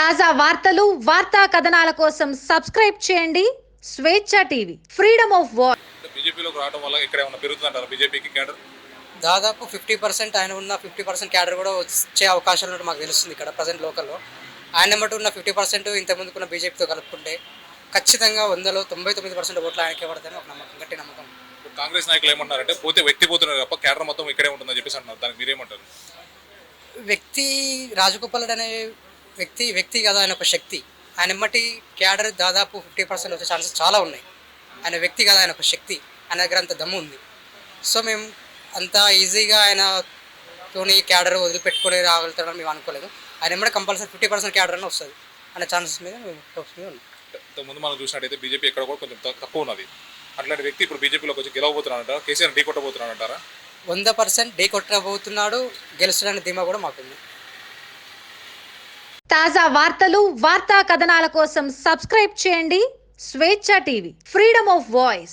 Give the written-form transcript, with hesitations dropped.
తాజా వార్తలు, వార్తా కథనాల కోసం సబ్స్క్రైబ్ చేయండి స్వేచ్ఛ టీవీ, ఫ్రీడమ్ ఆఫ్ వాయిస్. బీజేపీలోకి రావడం వల్ల ఇక్కడ ఏమైనా పెరుగుతుందంటారా బీజేపీకి క్యాడర్? దాదాపు 50% ఆయన ఉన్న 50% క్యాడర్ కూడా వచ్చే అవకాశాలు ఉన్నట్టు మాకు తెలుస్తుంది. ఇక్కడ ప్రజెంట్ లోకల్లో ఆయన మటు ఉన్న 50% ఇంతకుముందుకున్న బీజేపీతో కలుపుకుంటే ఖచ్చితంగా 100లో 99% ఓట్లు ఆయనకే పడతాయని ఒక నమ్మకం, గట్టి నమ్మకం. కాంగ్రెస్ నాయకులు ఏమంటారంటే పోతే వ్యక్తి పోతున్నారు తప్ప క్యాడర్ మొత్తం ఇక్కడే ఉంటుందని చెప్పేసి అంటున్నారు. దానికి మీరేమంటారు? వ్యక్తి రాజగోపాల్ అనే వ్యక్తి కదా, ఆయన ఒక శక్తి. ఆయన ఎమ్మటి క్యాడర్ దాదాపు 50% వచ్చే ఛాన్సెస్ చాలా ఉన్నాయి. ఆయన వ్యక్తి కదా, ఆయన ఒక శక్తి, ఆయన దగ్గర అంత దమ్ము ఉంది. సో మేము అంత ఈజీగా ఆయనతోని క్యాడర్ వదిలిపెట్టుకొని రాగలుగుతాడని మేము అనుకోలేదు. ఆయన ఎమ్మటి కంపల్సరీ 50% క్యాడర్ అని వస్తుంది అనే ఛాన్సెస్ మీద మేము హోప్స్ మీద ఉన్నాం. ముందు మనం చూసినట్టయితే బీజేపీ ఎక్కడ కూడా కొంచెం తక్కువ ఉన్నది. అట్లాంటి వ్యక్తి ఇప్పుడు బీజేపీలోకి వచ్చి గెలవబోతున్నారంటారా? కేసీఆర్ ఢీ కొట్టబోతున్నారంటారా? 100% ఢీ కొట్టబోతున్నాడు, గెలుస్తాడనే ధీమా కూడా మాకుంది. తాజా వార్తలు, వార్తా కథనాల కోసం సబ్స్క్రైబ్ చేయండి స్వేచ్ఛ టీవీ, ఫ్రీడమ్ ఆఫ్ వాయిస్.